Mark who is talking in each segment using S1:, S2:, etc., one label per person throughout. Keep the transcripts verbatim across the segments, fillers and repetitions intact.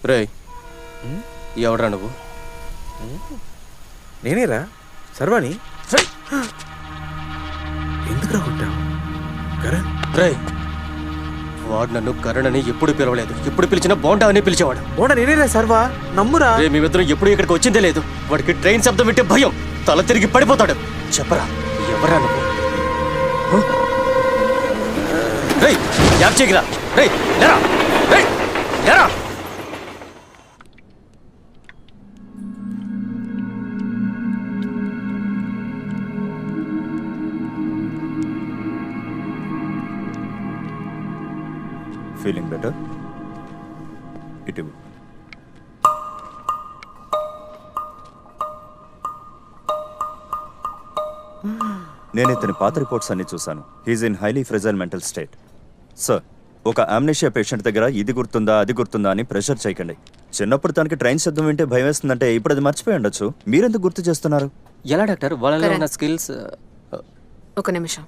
S1: రే ఎవడ్రా నువ్వు?
S2: నేనేరా సర్వాణి. ఎందుకు రాకుంటావు కరణ్?
S1: రే వాడు నన్ను కరణ్ అని ఎప్పుడు పిలవలేదు. ఎప్పుడు పిలిచినా బోండా అని పిలిచేవాడు.
S2: బోండా నేనేరా సర్వా, నమ్మురా.
S1: రే మేమిద్దరం ఎప్పుడు ఇక్కడికి వచ్చిందే లేదు. వాడికి ట్రైన్ శబ్దం వింటే భయం, తల తిరిగి పడిపోతాడు. చెప్పరా ఎవరా నువ్వు? రేయ్ యాప్ చేయరా. రేయ్ లేరా, రేయ్ లేరా.
S3: Feeling better? ఇటు నేను ఇతని పాత రిపోర్ట్స్ అన్ని చూశాను. He's in highly fragile mental state. Sir, ఒక ఆమ్నేషియా పేషెంట్ దగ్గర ఇది గుర్తుందా అది గుర్తుందా అని ప్రెషర్ చేయకండి. చిన్నప్పుడు తనకి ట్రైన్ శబ్దం వింటే భయం వేస్తుందంటే ఇప్పుడు అది మర్చిపోయి ఉండొచ్చు. మీరెందుకు గుర్తు చేస్తున్నారు?
S1: ఎలా డాక్టర్ వాళ్ళలో ఉన్న స్కిల్స్?
S4: ఒక నిమిషం.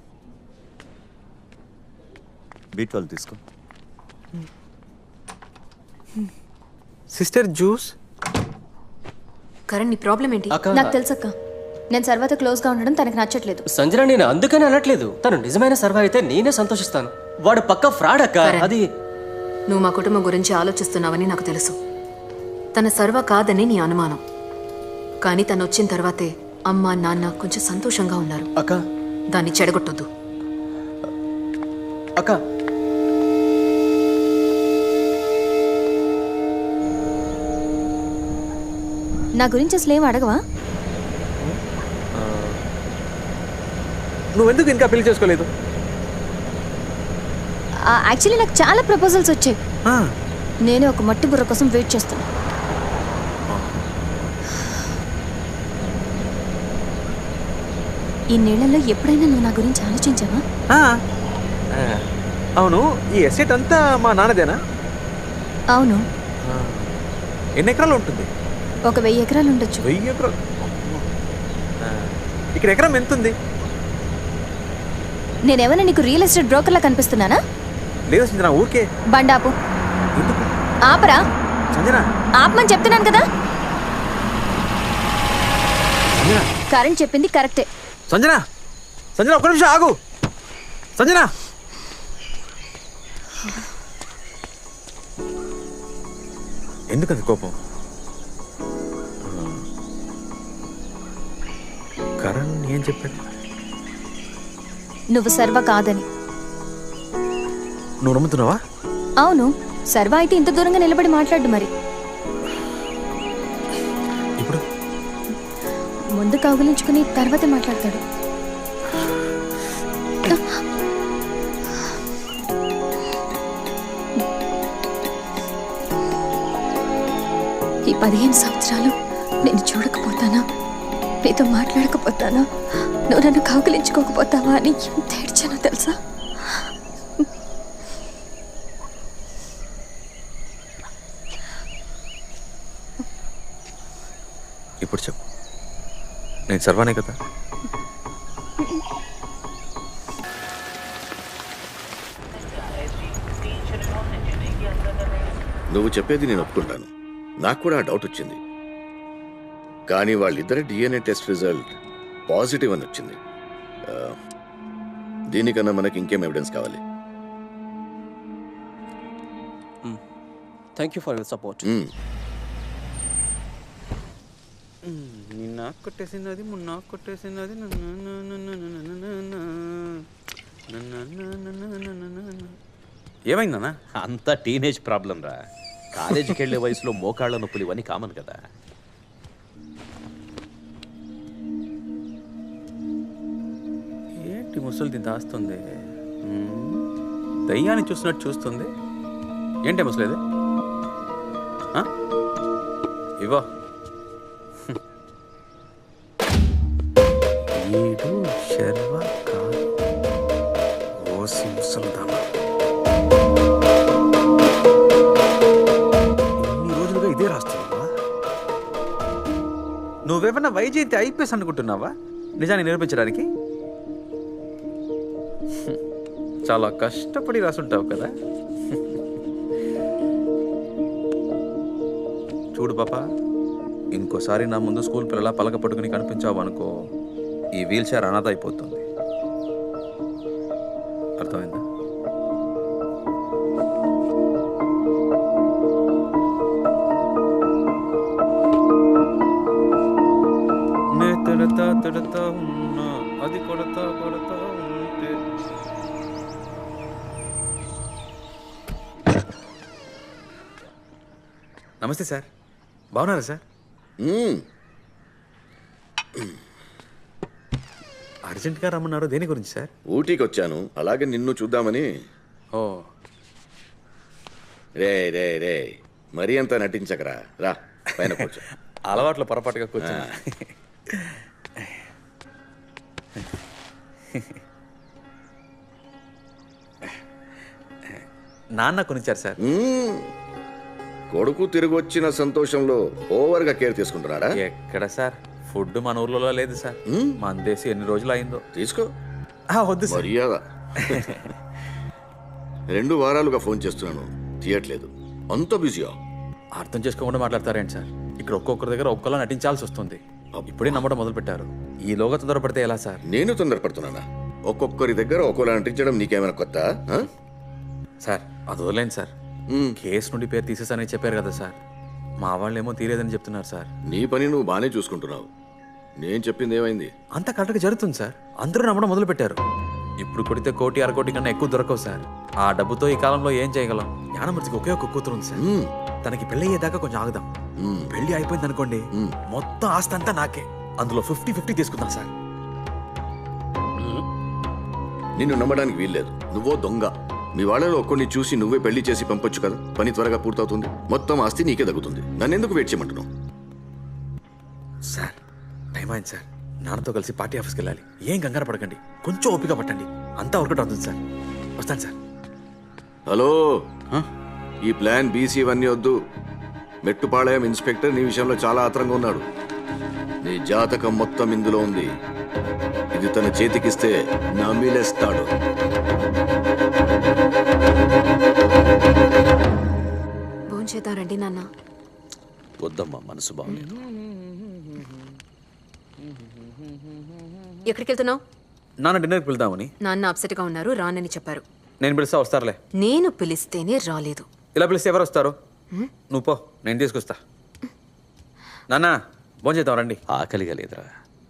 S3: బీ ట్వెల్వ్ తీసుకో.
S2: Sister juice.
S4: కరణ్ నీ ప్రాబ్లం ఏంటి?
S5: నాకు తెలుసక్క, నేను సర్వతో క్లోజ్గా ఉండడం తనకు నచ్చట్లేదు.
S1: సంజన నేను అందుకని అనట్లేదు. తను నిజమైన సర్వ అయితే నేనే సంతోషిస్తాను. వాడు పక్క ఫ్రాడ్ అక్క. అది
S4: నువ్వు మా కుటుంబం గురించి ఆలోచిస్తున్నావని నాకు తెలుసు. తన సర్వ కాదని నీ అనుమానం. కానీ తను వచ్చిన తర్వాతే అమ్మ నాన్న కొంచెం సంతోషంగా ఉన్నారు.
S1: అక్క
S4: దాన్ని చెడగొట్టొద్దు.
S1: అక్క
S5: నా గురించి అసలు ఏం అడగవా?
S2: నువ్వెందుకు ఇంకా పెళ్లి చేసుకోలేదు?
S5: యాక్చువల్లీ నాకు చాలా ప్రపోజల్స్ వచ్చాయి. నేను ఒక మట్టి బుర్ర కోసం వెయిట్ చేస్తాను. ఈ నెలలో ఎప్పుడైనా నువ్వు నా గురించి ఆలోచించావా?
S2: అవును, ఈ ఎస్టేట్ అంతా మా నాన్నదేనా?
S5: అవును.
S2: ఎన్ని ఎకరాలు ఉంటుంది?
S5: ఒక వెయ్యి ఎకరాలు ఉండొచ్చు.
S2: వెయ్యి ఎకరాలు? ఇక్కడ ఎకరం ఎంత ఉంది?
S5: నేనేమైనా నీకు రియల్ ఎస్టేట్ బ్రోకర్లా కనిపిస్తున్నానా?
S2: లేదు సంజన, ఊరికే.
S5: బండాపు. ఆపరా.
S2: సంజన
S5: ఆపమని చెప్తున్నాను కదా. కరెంట్ చెప్పింది కరెక్టే.
S2: సంజన సంజన ఒక్క నిమిషం ఆగు. సంజన ఎందుకంత కోపం? కరణ్ ఏం చెప్పాడు?
S5: నువ్వు సర్వ కాదని.
S2: నువ్వు నమ్ముతున్నావా?
S5: అవును, సర్వ అయితే ఇంత దూరంగా నిలబడి మాట్లాడు. మరి
S2: ఇప్పుడు
S5: ముందు కౌగిలించుకుని తర్వాత మాట్లాడతాడు. ఈ పదిహేను సంవత్సరాలు నేను చూడకపోతానా, నీతో మాట్లాడకపోతానా, నువ్వు నన్ను కౌగిలించుకోకపోతావా అని ఎంత ఏడ్చానో తెలుసా?
S2: ఇప్పుడు చెప్పు, నేను సర్వానే కదా?
S6: నువ్వు చెప్పేది నేను ఒప్పుకుంటాను. నాకు కూడా ఆ డౌట్ వచ్చింది. కానీ వాళ్ళిద్దరి డిఎన్ఏ టెస్ట్ రిజల్ట్ పాజిటివ్ అని వచ్చింది. దీనికన్నా మనకి ఇంకేం ఎవిడెన్స్ కావాలి?
S1: Thank you for your support.
S2: నిన్న కొట్టేసినది మొన్న కొట్టేసినది. ఏమైందన్నా?
S7: అంతా టీనేజ్ ప్రాబ్లం రా. కాలేజీకి వెళ్ళే వయసులో మోకాళ్ళ నొప్పులు ఇవన్నీ కామన్ కదా.
S2: ఏంటి ముసలిది దాస్తుంది? దయ్యాన్ని చూసినట్టు చూస్తుంది. ఏంటి ముసలిది? ఇవో ఈడు శర్వ కాదు, ఓసి ముసలిదామా. ఇన్ని రోజులుగా ఇదే రాస్తున్నావా? నువ్వేమన్నా వైజయంతి ఐపీఎస్ అనుకుంటున్నావా నిజాన్ని నిరూపించడానికి? చాలా కష్టపడి రాసుంటావు కదా. చూడు పాప, ఇంకోసారి నా ముందు స్కూల్ పిల్లల పలక పట్టుకుని కనిపించావు అనుకో, ఈ వీల్ చైర్ అనాథ అయిపోతుంది. అర్థమైందా? నే తిడతా తిడతా ఉన్నా, అది కొడతా కొడతా ఉంటే. నమస్తే సార్, బాగున్నారా సార్?
S6: మ్మ్.
S2: అర్జెంట్గా రమ్మన్నారు, దేని గురించి సార్?
S6: ఊటీకి వచ్చాను, అలాగే నిన్ను చూద్దామని.
S2: ఓ,
S6: రే రే రే మరీ అంత నటించకరా, రా పైన కూర్చో.
S2: అలవాట్లో పొరపాటుగా కూర్చున్నా. నాన్న కొనిచ్చారు సార్.
S6: మ్మ్. కొడుకు తిరిగి వచ్చిన సంతోషంలో ఓవర్గా కేర్ తీసుకుంటున్నాడా?
S2: ఎక్కడ సార్, ఫుడ్ మన ఊర్లో లేదు సార్. మన దేశం ఎన్ని రోజులు అయిందో.
S6: తీసుకో.
S2: ఆ, వద్దు సార్.
S6: మర్యాద. రెండు వారాలుగా ఫోన్ చేస్తున్నాను, తీయట్లేదు. అంత బిజీయా?
S2: అర్థం చేసుకోకుండా మాట్లాడతారేంటి సార్? ఇక్కడ ఒక్కొక్కరి దగ్గర ఒక్కొక్కలా నటించాల్సి వస్తుంది. ఇప్పుడే నమ్మడం మొదలు పెట్టారు, ఈలోగా తొందరపడితే ఎలా సార్?
S6: నేను తొందరపడుతున్నానా? ఒక్కొక్కరి దగ్గర ఒక్కోలా నటించడం నీకేమైనా కొత్త? ఆ?
S2: సార్ అది వదిలేండి సార్.
S6: మ్మ్.
S2: కేసు నుండి పేరు తీసేసానని చెప్పారు కదా సార్, మా వాళ్ళు ఏమో తీరేదని చెప్తున్నారు సార్.
S6: నీ పని నువ్వు బాగానే చూసుకుంటున్నావు, నేను చెప్పింది ఏమైంది?
S2: అంతా కరెక్ట్గా జరుగుతుంది సార్, అందరూ నమ్మడం మొదలు పెట్టారు. ఇప్పుడు కొడితే కోటి అరకోటి కన్నా ఎక్కువ దొరకవు సార్. ఆ డబ్బుతో ఈ కాలంలో ఏం చేయగలం? జ్ఞానమూర్తికి ఒకే ఒక కూతురు ఉంది సార్.
S6: మ్మ్.
S2: తనకి పెళ్లి అయ్యేదాకా కొంచెం ఆగుదాం.
S6: మ్మ్.
S2: పెళ్లి అయిపోయింది అనుకోండి, మొత్తం ఆస్తి అంతా నాకే, అందులో ఫిఫ్టీ ఫిఫ్టీ తీసుకుందాం సార్.
S6: నిన్ను నమ్మడానికి వీల్లేదు, నువ్వో దొంగ. మీ వాళ్ళలో ఒక్కడిని చూసి నువ్వే పెళ్లి చేసి పంపొచ్చు కదా, పని త్వరగా పూర్తవుతుంది, మొత్తం ఆస్తి నీకే తగ్గుతుంది. నన్ను ఎందుకు వెయిట్ చేయమంటున్నావు?
S2: సార్ టైం అయింది సార్, నాన్నతో కలిసి పార్టీ ఆఫీస్కి వెళ్ళాలి. ఏం కంగారు పడకండి, కొంచెం ఓపిక పట్టండి, అంతా వర్కౌట్ అవుతుంది సార్. వస్తాను సార్.
S6: హలో, ఈ ప్లాన్ బీసీ ఇవన్నీ వద్దు. మెట్టుపాళయం ఇన్స్పెక్టర్ నీ విషయంలో చాలా ఆత్రంగా ఉన్నాడు. నీ జాతకం మొత్తం ఇందులో ఉంది. ఇది తన చేతికిస్తే నమిలేస్తాడు.
S4: భోంచేద్దారండి నాన్న.
S7: వద్దమ్మా, మనసు బాగలేదు.
S4: ఎక్కడికి వెళ్తున్నావు?
S2: నాన్న డిన్నర్కి వెళ్దామని.
S4: నాన్న అప్సెట్గా ఉన్నారు, రానని చెప్పారు.
S2: నేను పిలిస్తే వస్తారులే.
S4: నేను పిలిస్తేనే రాలేదు.
S2: ఇలా పిలిస్తే ఎవరు వస్తారు? నువ్వు పో, నేను తీసుకొస్తా. నాన్న భోంచేద్దాం రండి.
S7: ఆకలిగా లేదురా.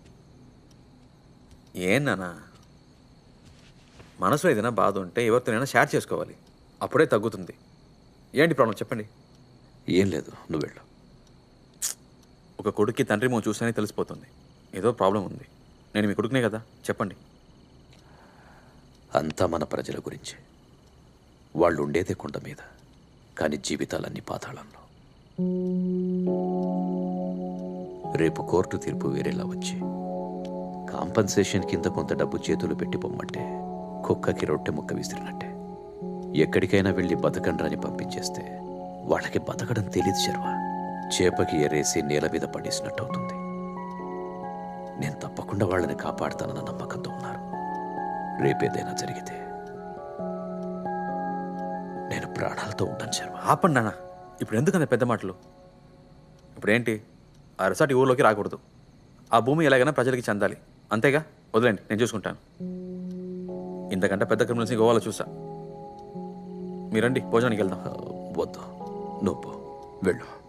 S2: ఏం నాన్న, మనసులో ఏదైనా బాధ ఉంటే ఎవరితోనైనా షేర్ చేసుకోవాలి, అప్పుడే తగ్గుతుంది. ఏంటి ప్రాబ్లం చెప్పండి.
S7: ఏం లేదు, నువ్వు వెళ్ళు.
S2: ఒక కొడుక్కి తండ్రి మో చూస్తేనే తెలిసిపోతుంది ఏదో ప్రాబ్లం ఉంది. నేను మీ కొడుకునే కదా, చెప్పండి.
S7: అంతా మన ప్రజల గురించి. వాళ్ళు ఉండేదే కొండ మీద, కానీ జీవితాలన్నీ పాతాళంలో. రేపు కోర్టు తీర్పు వేరేలా వచ్చి కాంపన్సేషన్ కింద కొంత డబ్బు చేతులు పెట్టి పొమ్మంటే కుక్కకి రొట్టె ముక్క విసిరినట్టే. ఎక్కడికైనా వెళ్ళి బతకండ్రని పంపించేస్తే వాళ్ళకి బతకడం తెలీదు శర్వ. చేపకి ఎరేసి నేల మీద పడేసినట్టు అవుతుంది. నేను తప్పకుండా వాళ్ళని కాపాడుతానన్న నమ్మకంతో ఉన్నారు. రేపేదైనా జరిగితే నేను ప్రాణాలతో ఉంటాను శర్మ.
S2: ఆపండి నాన్న, ఇప్పుడు ఎందుకంత పెద్ద మాటలు? ఇప్పుడేంటి, ఆ రిసార్ట్ ఈ ఊర్లోకి రాకూడదు, ఆ భూమి ఎలాగైనా ప్రజలకి చెందాలి, అంతేగా? వదిలేండి, నేను చూసుకుంటాను. ఇంతకంటే పెద్ద క్రిమినల్స్ని గోవాలో చూసా. మీరండి భోజనానికి వెళ్దాం.
S7: వద్దు, నువ్వు పో, వెళ్ళు.